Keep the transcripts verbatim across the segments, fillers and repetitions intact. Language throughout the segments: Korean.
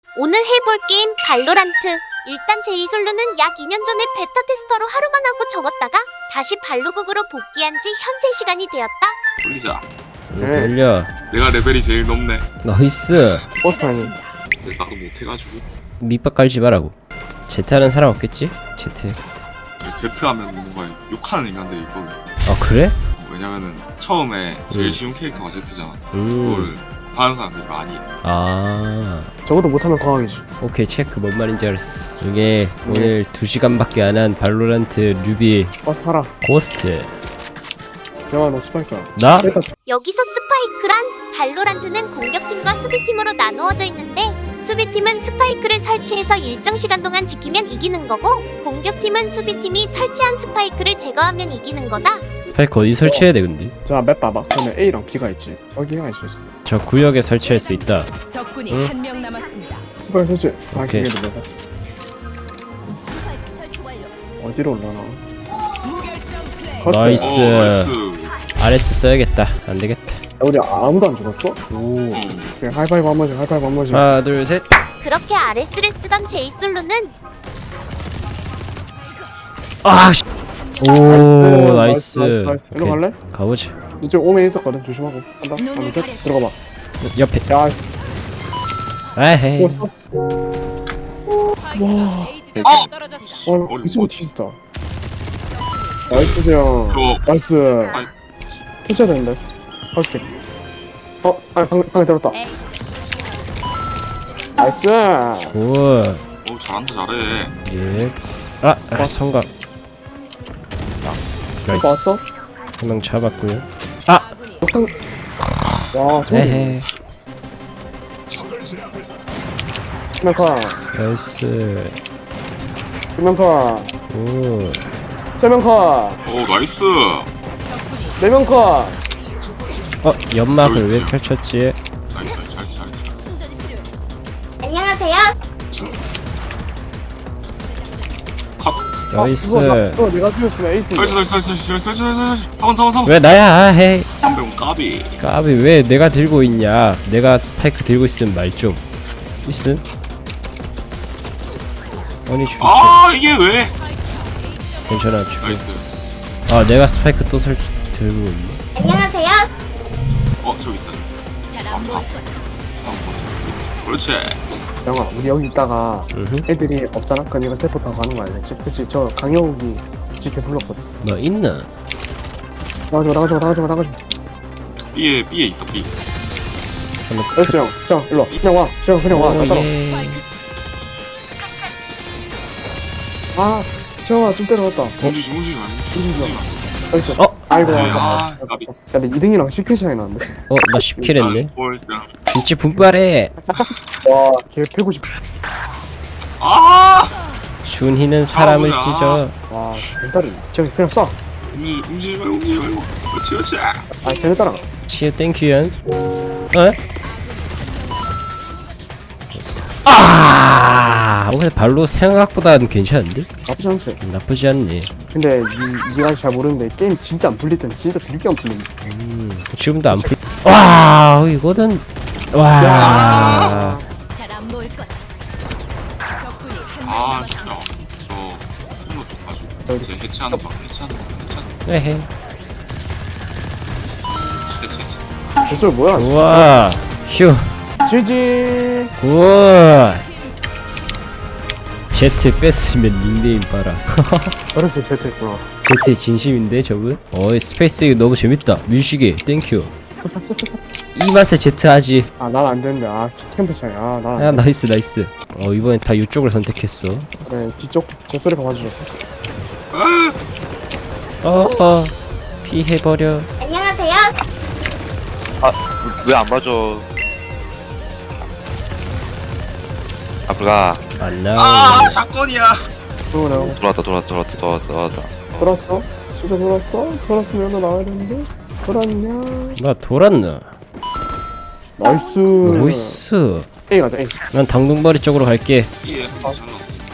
오늘 해볼 게임 발로란트. 일단 제이솔루는 약 이 년 전에 베타 테스터로 하루만 하고 접었다가 다시 발로국으로 복귀한 지 현재 시간이 되었다. 돌리자. 네. 돌려. 내가 레벨이 제일 높네. 나이스. 버스타니. 근데 나도 못해가지고. 밑밥 깔지 말라고. 제트하는 사람 없겠지? 제트. 제트 하면 뭔가 욕하는 인간들이 있거든. 아 그래? 왜냐면은 처음에 제일 음. 쉬운 캐릭터가 제트잖아. 음. 그래서 그걸 못하는 사람들이 많이 해. 아 저것도 못하면 과학이지. 오케이 체크. 뭔 말인지 알았어. 이게 오늘 두 시간밖에 안 한 발로란트 류비 버스 타라. 고스트. 영화 너 스파이크야. 나? 일단 여기서 스파이크란 발로란트는 공격팀과 수비팀으로 나누어져 있는데 수비팀은 스파이크를 설치해서 일정 시간 동안 지키면 이기는 거고 공격팀은 수비팀이 설치한 스파이크를 제거하면 이기는 거다. 스파이크 어디 설치해야 돼 근데? 자 맵 봐봐. 그러면 A랑 B가 있지. 저기가 있을 수 있어. 저 구역에 설치할 수 있다. 적군이 응? 한 명 남았습니다. 스파이크 설치. 사 오케이. 기계 눌러서. 어디로 올라나? 무결점 플레이. 커트. 나이스. 어, 나이스. 아레스 써야겠다. 안 되겠다. 야, 우리 아무도 안 죽었어? 오. 그냥 하이파이브 한 번씩. 하이파이브 한 번씩. 하나 둘 셋. 그렇게 아레스를 쓰던 제이솔루는 아 씨. 오 나이스, 나이스. 나이스. 일로 오케이. 갈래? 가보자. 이쪽 오면 있었거든. 조심하고. 간다. 하나 셋. 들어가 봐. 옆에. 야. 아헤이. 죽었어. 와. 에이지가 떨어졌다. 어, 이승우 뒤졌다. 나이스 재영. 저 나이스. 아니. 터쳐야 되는데. 할게. 어, 아, 방, 방에 들었다. 에이. 나이스. 오. 어, 잘한다 잘해. 예. 아, 아 성각. 나이스. 왔어? 한 명 잡았고요. 아. 아군이 폭탄. 와, 저기. 에헤. 세명카. 나이스. 두명카. 오. 세명카. 어, 나이스. 네명카. 어 연막을 왜 펼쳤지? 나이스. 잘했어 잘했어. 안녕하세요. 컷. 나이스. 그거, 나, 그거 내가 뛰었으면 에이스인데. 설치 설치 설치 설치 설치 설치. 사원 사원 사원. 왜 나야? 아, 헤이. 삼백원 까비. 까비 왜 내가 들고 있냐? 내가 스파이크 들고 있으면 말 좀. 있음? 아니 죽지. 아 이게 왜? 괜찮아 죽. 나이스. 아 내가 스파이크 또 설치 들고 있네. 안녕하세요. 어 저기 있다. 잘안 보일 거야. 그렇지. 영아, 우리 여기 있다가 으흠. 애들이 없잖아? 그럼 얘가 텔포 타고 가는 거 알겠지? 그치, 저 강영욱이 지켜 불렀거든. 뭐 있나? 나가지마, 나가지마, 나가지마, 나가지마. B에 B에 있다 B. 나이스 형, 형, 일로 와. 그냥 와. 형, 그냥 와. 나 따라. 예. 아, 재영아, 좀 때려놨다. 움직이지 움직이지 마. 움직이지 마. 나이스. 어? 아이고, 아, 아이고. 아, 까비. 야, 근데 이 등이랑 십 킬 차이 나는데. 어 나 십 킬 했네. 꼴등. 진짜 분발해. 와, 걔 백오십. 아! 준희는 사람을 싸우자. 찢어. 와, 멘탈이. 저기 그냥 쏴. 움직이 움직이지 말고 움직이지 말고. 그렇지 그렇지. 아, 쟤네 따라가. 치유 땡큐연. 어? 아, 근데 발로 생각보다는 괜찮은데? 나쁘지 않지? 나쁘지 않네. 근데 이, 이가 잘 모르는데 게임 진짜 안 풀릴 때는 진짜 되게 안 풀린다. 음, 지금도 안 풀. 와, 이거는 와. 야. 잘안 보일 거야. 적군이 한 명 아 남았습니다. 진짜 저 홈로 쪽 가지고 여기. 이제 해체하는 방 해체하는 방 해체하는 방 에헤. 해체 해체. 개소리 뭐야? 우와. 휴. 지지. 우와. 제트 뺐으면 닉네임 봐라. 그렇지, 세트했구나. 제트 진심인데 저분? 어이 스페이스 이거 너무 재밌다. 밀시계 땡큐. 이 맛에 제트 하지. 아, 난 안 되는데. 아, 캠프 차이. 아, 난안 아 돼. 나이스 나이스. 어 이번엔 다 이쪽을 선택했어. 그래, 뒤쪽 저 소리가 봐주죠. 어어 피해버려. 안녕하세요. 왜 안 봐줘? 앞으로 가. 안 나오. 아 사건이야. 그러네. 돌아왔다, 돌아왔다, 돌아왔다, 돌아왔다, 돌아왔다. 돌았어? 진짜 돌았어? 돌았으면 너 나와야 되는데? 돌았냐? 나 돌았나? 나이스. 나이스. A 가자, A. 난 당둥바리 쪽으로 갈게. B에 잘랐어.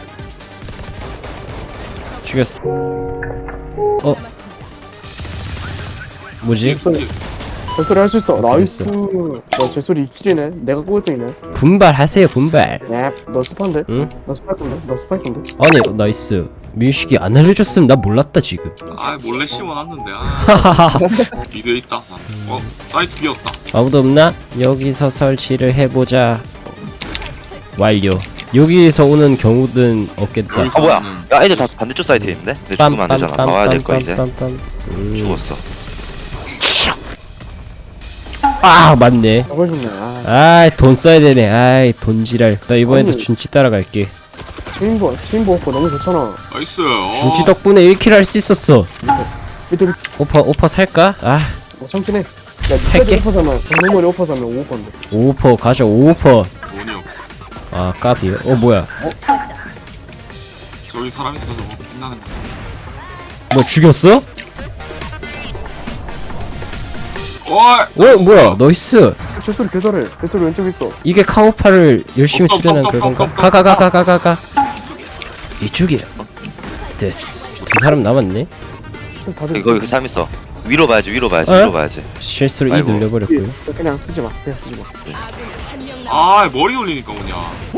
죽였어. 어? 뭐지? 소리. 제소리 할 수 있어. 나이스. 와 제소리 이 킬이네. 내가 꼴등이네. 분발하세요 분발. 앱너 스파인데? 응? 너 스파이크인데? 너 스파이크인데? 아니 나이스. 민식이 안 알려줬으면 나 몰랐다 지금. 아 몰래 씌워놨는데 아 미드에 있다 나는. 어 사이트 비었다. 아무도 없나? 여기서 설치를 해보자. 완료. 여기에서 오는 경우는 없겠다. 아 뭐야? 야 애들 다 반대쪽 사이트에 있는데? 내 죽으면 안 되잖아. 나와야 될 거야 이제. 음. 죽었어. 아 맞네. 저걸 죽네. 아 아이 돈 써야 되네. 아이 돈지랄. 나 이번에도 아니. 준치 따라갈게. 체인버 체인버 오퍼 너무 좋잖아. 나이스. 어. 준치 덕분에 일 킬 할 수 있었어. 밑에 밑에 오퍼 오퍼 살까? 아 어, 참긴 해. 야 살게. 오퍼 사면 장롱머리 오퍼 사면 오 오퍼인데. 오퍼 가자 오퍼. 돈이 없. 아 까비. 어 뭐야? 저기 사람 있어 저거 빛나는 거. 뭐 죽였어? 어이. 어 뭐야? 나이스. 제소리 개잘해. 제소리 왼쪽에 있어. 이게 카오파를 열심히 깜깜, 수련한 깜깜, 결과인가? 깜깜, 가 가 가 가 가 가. 이쪽이야. 됐어. 두 사람 남았네. 다들 거기 그 사람 있어. 위로 봐야지 위로 봐야지 어? 위로 봐야지. 실수로 이 아이고. 늘려버렸고요. 그냥 쓰지 마. 그냥 쓰지 마. 아군이 한명 남았습니다. 아 머리 올리니까 오냐.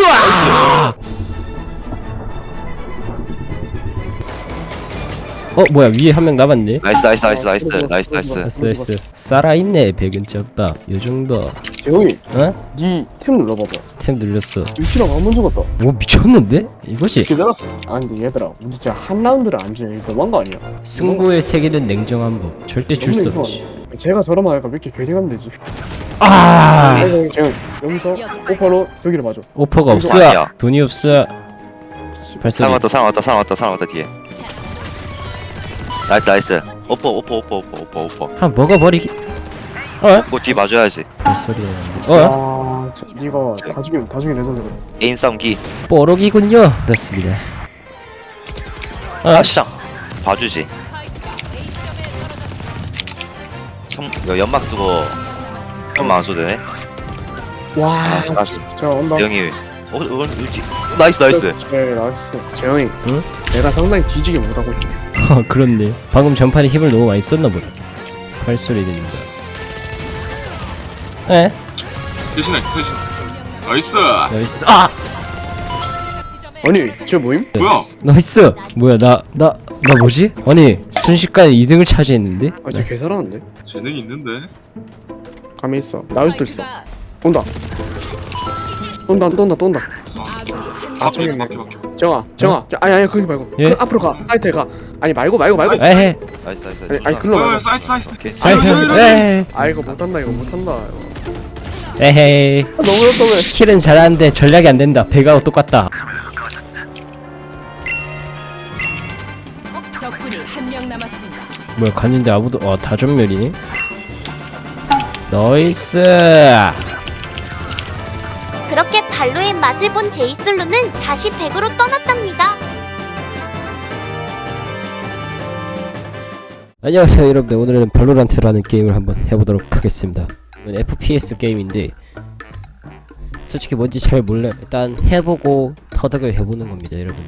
어 뭐야 위에 한 명 남았네. 나이스 나이스 나이스 나이스 어, 나이스 어, 나이스. 어, 나이스 나이스. 살아있네 백은짬밥. 요 정도. 재홍이 어? 니템 눌러봐봐. 템 눌렸어. 유키랑 한번 죽었다. 오 미쳤는데? 이것이 얘들아. 아 근데 얘들아 우리 진짜 한 라운드를 안 주냐 이거 너무한 거 아니야? 승부의 세계는 냉정한 법. 절대 줄 수 없지. 제가 저러면 할까 왜 이렇게 괜히 가면 되지? 아 아이고 재홍 여기서 오퍼로 저기를 맞아. 오퍼가 이거 없어. 아니야. 돈이 없어. 발소리. 사람 왔다 사람 왔다 사람 왔다 사람 왔다 뒤에. 나이스 나이스. 오퍼 오퍼 오퍼 오퍼 오퍼 오퍼. 한 먹어버리기. 어? 그거 뒤 봐줘야지. 발소리 나는데. 어? 아 저, 니가 다 죽이면 다 죽이면 레전드 그래. 애인 싸움기. 뽀록이군요. 그렇습니다. 어? 아 시장. 봐주지. 성 야, 연막 쓰고 연막 안 써도 되네. 와 아, 자 온다. 대형이. 어, 어, 어디? 나이스 나이스. 네 나이스. 재영이 응? 내가 상당히 뒤지게 못하고 있네. 어, 그렇네. 방금 전판에 힘을 너무 많이 썼나 보다. 발소리 들린다. 에? 대신에 대신. 나이스. 나이스. 아! 아니 쟤 뭐임? 뭐야? 나이스. 뭐야 나 나 나 뭐지? 아니 순식간에 이 등을 차지했는데? 아쟤 개잘하는데? 재능이 있는데. 감이 있어. 나올 수도 있어. 온다. 온다 또 온다 또 온다. 아군이 한명 아, 저기 막혀 있네. 막혀 막혀. 정아 정아 아니 아니 거기 말고 예? 그 앞으로 가 사이트에 가. 아니 말고 말고 말고. 에헤. 나이스 나이스. 아니 아니 글로 어 말고. 사이트 사이트. 오케이. 사이트. 아이고, 아이고, 에헤. 아 이거 못한다 이거 못한다. 이거. 에헤이. 아, 너무 어렵다 왜? 킬은 잘하는데 전략이 안 된다. 배가 똑같다. 적군이 한명 남았습니다. 뭐야 갔는데 아무도 어 다전멸이네. 나이스. 그렇게 발로의 맛을 본 제이슬루는 다시 백으로 떠났답니다. 안녕하세요 여러분들. 오늘은 발로란트라는 게임을 한번 해보도록 하겠습니다. 이건 에프피에스 게임인데 솔직히 뭔지 잘 몰라요. 일단 해보고 터득을 해보는 겁니다 여러분.